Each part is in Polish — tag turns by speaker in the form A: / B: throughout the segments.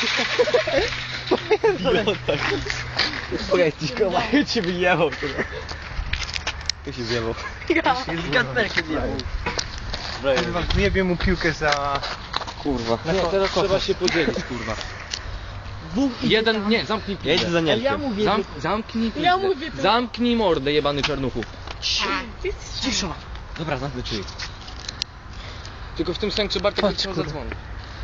A: Powiedz ci, kurwa, cię wyjechał, kurwa. Ja się zjebał.
B: Zgadnę się zjebał.
A: Kurwa, zjebie mu piłkę za... Kurwa.
B: Nie, teraz trzeba się podzielić, kurwa.
C: Jeden, nie, zamknij pizdę.
A: Ja idę za Niemkiem.
B: Ja mówię,
C: Zamknij pizdę.
B: Ja mówię to.
C: Zamknij mordę, jebany czarnuchu.
B: Cisza.
C: Dobra, zamknę drzwi. Tylko w tym sensie Bartek
A: Patrz,
C: trzeba
A: kurwa.
C: zadzwonić.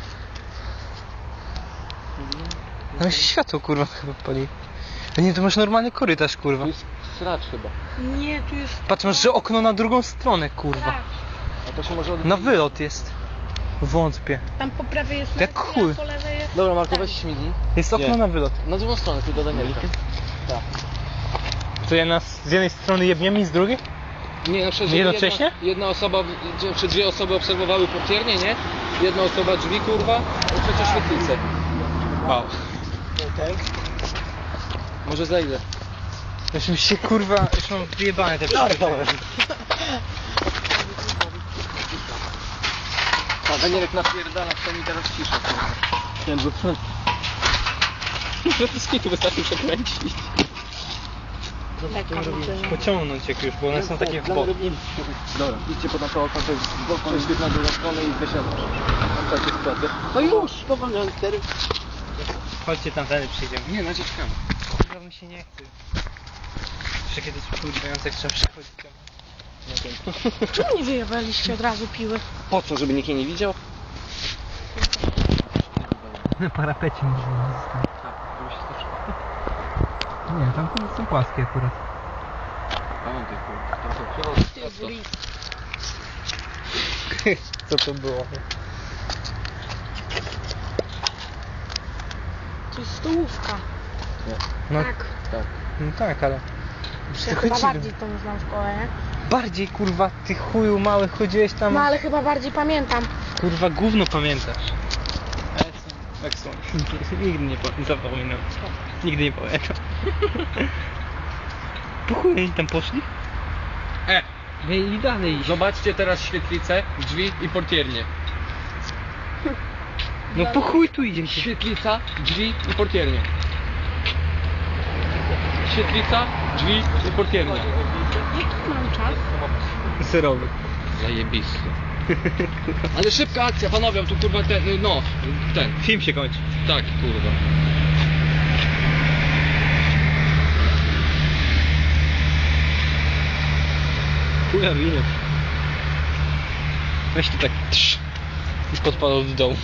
A: No się światło, kurwa, chyba pali. A nie, to masz normalny korytarz, kurwa.
C: To jest sracz chyba.
B: Nie, tu jest...
A: Patrz, masz że okno na drugą stronę, kurwa.
C: A to się może od...
A: Na wylot jest. Wątpię.
B: Tam po prawej jest
A: Jak
B: Messi,
A: chuj.
B: a po lewej jest...
C: Dobra, Marko, weź śmigni.
A: Jest okno
C: Nie.
A: na wylot.
C: Na drugą stronę, tu do Danielka. Tak.
A: To ja nas z jednej strony jebniemy i z drugiej?
C: Nie, na przykład
A: Jednocześnie?
C: jedna osoba, czy dwie osoby obserwowały portiernię, nie? Jedna osoba drzwi, kurwa, a trzecia świetlicę.
A: Wow.
C: Może zejdę.
A: Już mi się, kurwa, już mam wyjebane te przypadki.
C: A Danielek napierdala, to mi teraz cisza, kurwa.
A: Nie, bo...
C: No to skitu wystarczy przekręcić.
A: Pociągnąć jak już, bo one są takie w bok.
C: Dobra, idźcie pod naokoło, to jest przejść na drugą stronę i wysiadać. Tam takie sytuacje. No już, powolniony stery.
A: Chodźcie tam, wtedy przyjdziemy.
C: Nie, naciskamy.
A: Kurwa mi się nie chce. Jeszcze kiedyś kurwające jak trzeba przychodzić.
B: Czemu nie wyjebaliście od razu piły?
C: Po co, żeby nikt jej nie widział?
A: Na parapecie możemy zostać. Nie, tam są płaskie akurat.
C: Pamiętaj, kurwa.
B: Ty, Bris.
A: Co to było?
B: To jest stołówka.
A: No
B: Tak.
C: Tak.
A: no tak, ale...
B: Ja chyba bardziej tą znam szkołę, nie?
A: Bardziej kurwa, ty chuju mały chodziłeś tam...
B: No ale chyba bardziej pamiętam.
A: Kurwa gówno pamiętasz. Excellent. Nigdy nie zapominam. Nigdy nie pamiętam. Po chuj oni tam poszli? Mieli dalej iść.
C: Zobaczcie teraz świetlicę, drzwi i portiernię.
A: No po chuj tu idziecie.
C: Świetlica, drzwi i portiernia. Świetlica, drzwi i portiernia.
B: Jaki mam czas?
A: Serowy.
C: Zajebisty. Ale szybka akcja, panowie, tu kurwa ten, no, ten.
A: Film się kończy.
C: Tak, kurwa.
A: Chuja winę. Weź tu tak trz. I podpadał do dołu.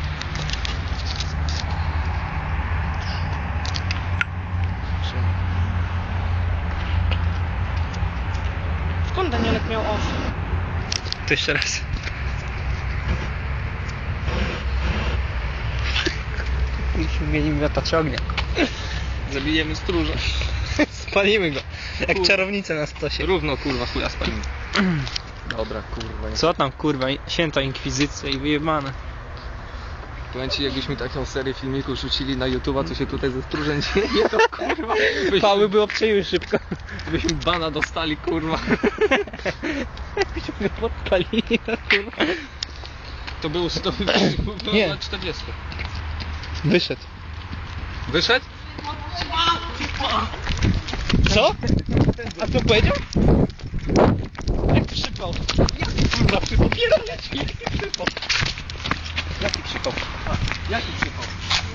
B: Skąd Danielek miał oś?
A: To jeszcze raz. Musimy mieli miotacz ognia.
C: Zabijemy stróża.
A: Spalimy go. Jak czarownica na stosie.
C: Równo, kurwa, chuja spalimy. Dobra, kurwa.
A: Co tam kurwa, święta inkwizycja i wyjebane.
C: Pamięci, jakbyśmy taką serię filmików rzucili na YouTube'a, co się tutaj ze stróżem dzieje, to kurwa.
A: Pały by obczaiły szybko.
C: Byśmy bana dostali, kurwa.
A: Byśmy podpalili na kurwa.
C: To był
A: Nie.
C: na 40.
A: Wyszedł.
C: Wyszedł?
A: Co? A co powiedział? Jak przypał? Jaki kurwa przypał? Pierdolę ci, jaki przypał? Jaki przypał?
C: Jaki przypał?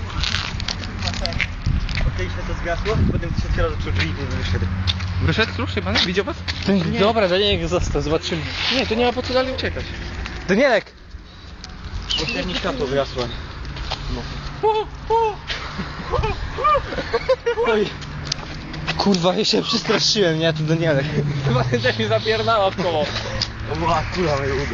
D: Odkryliśmy to zgasło, potem trzeci raz zaczął drzwi wyszedł.
C: Wyszedł stróż chyba? Widział was?
A: Dobra, Danielek został, zobaczymy.
C: Nie, to nie ma po co dalej uciekać.
A: Danielek!
D: Pośrednie światło wygasło.
A: Oj. Kurwa, ja się przestraszyłem, nie? Tu Danielek.
C: Chyba też mi zapierdała w koło.
D: To była kula moje udo.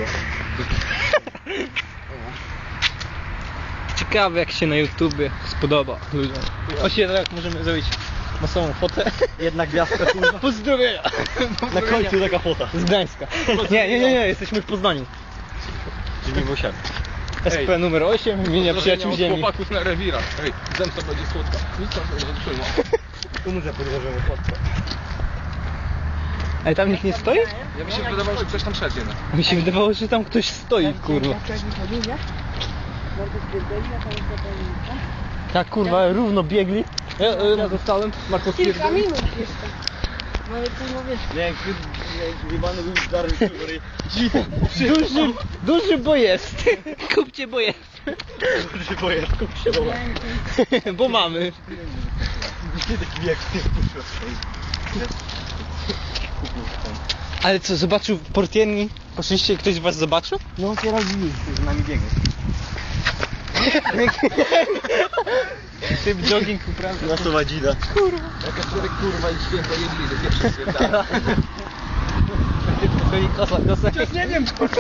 A: Ciekawe jak się na YouTubie spodoba ludziom. Właśnie tak możemy zrobić masową fotę.
D: Jedna gwiazdka kurwa.
A: Pozdrowienia!
D: Na końcu taka fota.
A: Z Gdańska. Nie, jesteśmy w Poznaniu.
D: Czyli nie musiałem.
A: SP numer 8, imienia przyjaciół
C: od
A: ziemi.
C: chłopaków na rewirach. Ej, zemsta będzie słodka. Nic tam będzie trzyma.
D: Tu muszę podłożymy fotkę.
A: Ale tam nikt nie stoi?
C: Ja mi się wydawało, że ktoś tam szedł jednak.
A: Mi się wydawało, że tam ktoś stoi, kurwa. Tak kurwa, równo biegli. Ja dostałem, Marko
B: Kilka minut jeszcze. No ale kurwa wiesz.
D: Nie, jak jebany był stary który...
A: Duży bo jest. Kupcie bo jest.
D: Duży pojazd, kup się do
A: Bo mamy.
D: Nie taki bieg z tym puszczał.
A: Ale co, zobaczył portierni? Poszliście, ktoś z was zobaczył?
D: No teraz widzisz, z nami biegnie.
A: Typ jogging uprawia.
D: Na to wadzida.
C: Jaka człowiek kurwa i święta jedliwy, pierwszy święta.
A: Kosa.
D: Nie wiem, kurwa.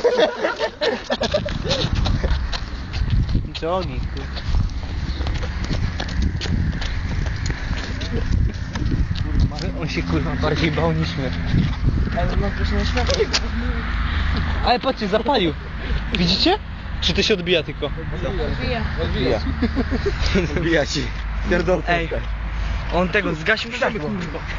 A: Jogging, kurwa. On się kurwa bardziej bał niż my.
B: Ale mam też nie światło.
A: Ale patrzcie, zapalił. Widzicie? Czy to się odbija tylko?
B: Odbija.
C: Odbija.
D: Odbija ci. Pierdolka.
A: Ej, on tego zgasił światło.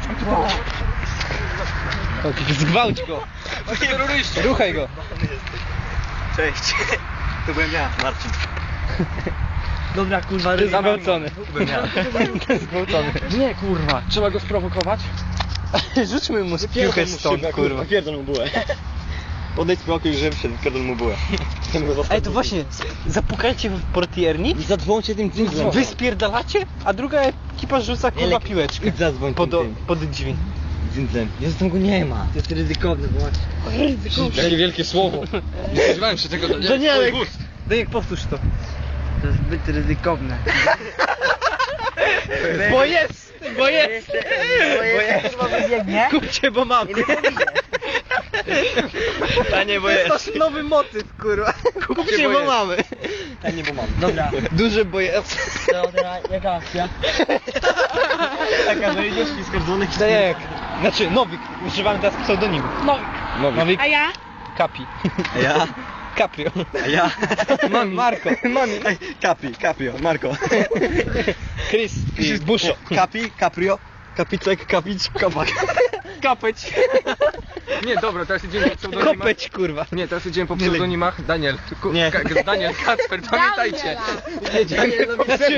A: Zgwałć go. Ruchaj go.
D: Cześć. To byłem ja, Marcin.
A: Dobra, kurwa, zgwałcony.
D: Byłem ja.
A: Zgwałcony.
C: Nie kurwa, trzeba go sprowokować.
A: Rzućmy mu piłkę stąd, kurwa.
D: Pierdol mu bułę. Odejdź spokój, że wszedł, pierdol mu bułę.
A: Ej, to właśnie, zapukajcie w portierni
D: I zadzwońcie tym dzwonkiem.
A: wy spierdalacie, a druga ekipa rzuca kurwa piłeczkę.
D: Idź zadzwoń
A: Pod drzwi.
D: dzwonkiem. Jezu, tam go nie ma.
B: To jest ryzykowne, bo
C: Jakie wielkie słowo. Nie spodziewałem się tego.
A: Danielek, Danielek, powtórz to.
B: to jest zbyt ryzykowne.
A: Bo jest! Bo jest!
B: Kurwa wybiegnie.
A: Kupcie, bo mam.
D: Tanie, bo
A: To
D: jest.
A: jest nowy motyw, kurwa. Kupcie, bo mamy.
D: Tanie, bo mam.
B: Dobra,
A: Duże bo jest.
B: dobra, jaka akcja?
D: Taka, że idziesz i skardzonych.
A: Danielek. Znaczy, Nowik. Używamy teraz pseudonimu. Nowik.
B: A ja?
A: Kapi.
D: A ja?
A: Caprio.
D: A ja?
A: Marko. Mami.
D: Caprio, Marko.
A: Chris i Buszo.
D: Capi, Caprio, Kapicek, Kapic, Kapak.
A: Kapeć.
C: Nie, dobra, teraz idziemy po pseudonimach.
A: Kopeć, kurwa.
C: Nie, teraz idziemy po pseudonimach. Daniel.
D: Nie.
C: Daniel, Kacper, pamiętajcie.
A: Znaczy,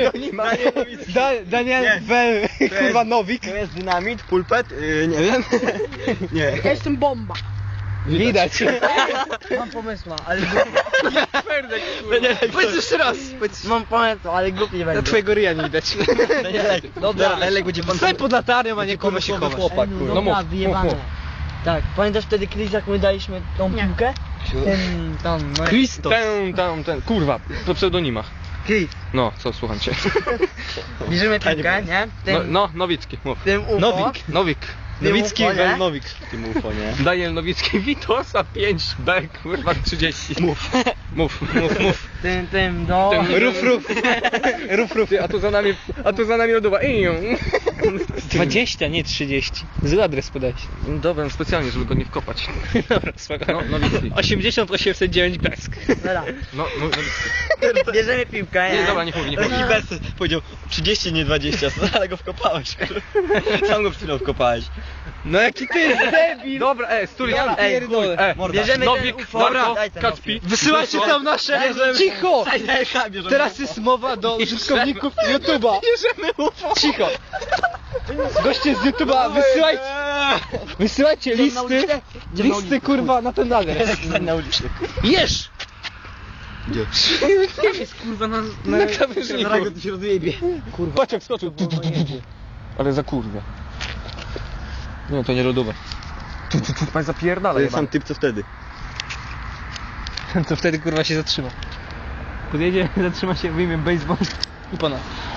A: Daniel
D: Nie.
A: Wel, kurwa Nowik.
D: To jest dynamit, pulpet, nie wiem. Nie.
B: Ja jestem bomba.
A: Widać.
B: Mam pomysła, ale
C: Ferdek,
A: Powiedz jeszcze raz.
B: mam pomysła, ale głupi nie
A: Na
B: będę.
A: twojego ryja nie widać.
D: Danielek, dobra, Danielek będzie pan
A: Stań pod latarnią, a nie kurwa się
D: pomysłowy
A: chowasz.
D: chłopak,
B: Ej,
D: kurwa.
B: no
C: No
B: dobra,
C: mów,
B: wyjebane.
C: mów,
B: Tak, pamiętasz wtedy Chris, jak my daliśmy tą Nie. piłkę? Ten, no
A: Christos.
C: Ten, kurwa, po pseudonimach.
B: Chris.
C: No, co, słucham cię.
B: Bierzemy piłkę, nie? Tym,
C: Nowicki, mów.
B: tym UFO.
A: Nowik.
C: Nowik.
A: Nowicki
B: UFO, nie?
A: Wel Nowik.
D: Tym UFO, nie?
C: Daniel Nowicki, Witosa 5B, kurwa 30. Mów. Mów.
B: Tym, no.
A: Ruf.
C: Ty, a tu za nami lodowa.
A: 20, nie 30. Zły adres podałeś.
C: Dobra, specjalnie, żeby go nie wkopać.
A: Dobra, spoko.
C: No, Nowicki.
A: 80 809 Besk.
B: Dobra,
C: No, Nowicki.
B: bierzemy piłkę,
C: Nie, dobra, nie mów.
D: Taki bez powiedział 30, nie 20, ale go wkopałeś. Sam go przed chwilą wkopałeś.
A: No jaki ty jest debil.
C: Dobra, stój,
A: Ja
C: ej,
A: pierdolę.
C: chuj,
B: bierzemy
C: Nowik,
B: ten UFO.
C: Marko,
B: Daj ten
C: Kacpi.
A: Wysyłajcie tam nasze... Cicho! Teraz jest mowa do
C: Bierzemy.
A: użytkowników YouTube'a. Cicho. Goście z YouTube'a, wysyłajcie listy kurwa na ten adres.
D: Na ulicy.
A: Jesz!
D: Gdzie?
B: jest kurwa na
A: krawężniku.
D: Zaraz go tu się rozjebie.
A: Kurwa. Patrz jak skoczył.
C: Ale za kurwia. Nie, to nie lodowe. Pan zapierdala,
D: To jest sam typ co wtedy.
A: To wtedy kurwa się zatrzyma. Podjedzie, zatrzyma się, wyjmie baseball i pana.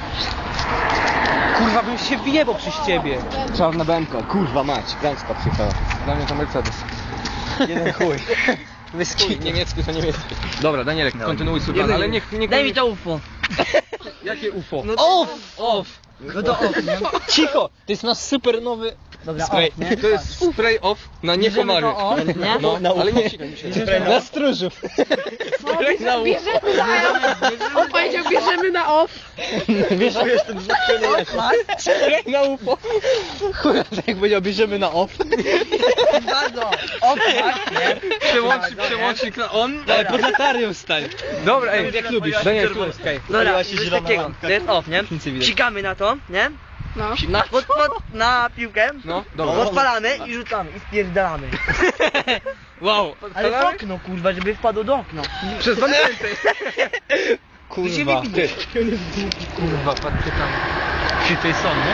A: Kurwa bym się wyjebał przez ciebie.
D: Czarna BMK, kurwa mać, Gdańska przyjechała.
C: Dla mnie to Mercedes.
D: Jeden chuj.
A: Wyski.
C: Niemiecki to niemiecki. Dobra, Danielek, kontynuuj swój plan, ale niech...
B: Daj mi to UFO.
C: Jakie UFO?
A: Off!
B: No to off, nie?
A: Cicho! To jest nasz super nowy
B: Dobra,
C: Spray.
B: off, nie?
C: To jest spray off na nie
B: Bierzemy
C: komary.
B: to off, nie?
C: No, ale nie sikaj mi się. Na stróżów. Spray na ucho.
E: On powiedział, bierzemy na off.
C: Wiesz, jestem spray na ucho.
A: Chuja, tak jak powiedział, bierzemy na off.
B: Bardzo. Off, tak, nie?
C: Przełącznik na on.
A: Ale pod latarią stań.
C: Dobra, ej,
D: Jak lubisz.
C: Daniel,
D: Czerwony.
C: słuchaj.
B: Dobra,
D: Paliła się
B: coś
D: zielona
B: takiego.
D: lampka.
B: To jest off, nie?
D: Nic nie widać.
B: Cikamy na to, nie?
E: No.
B: Na piłkę.
C: No, dobra.
B: Odpalamy i rzucamy i spierdalamy.
C: Wow.
B: Ale w okno, kurwa, żeby wpadło do okna.
C: Przez dwa miesiące.
A: Kurwa.
C: Kurwa, patrzcie tam. Czy to jest on, nie?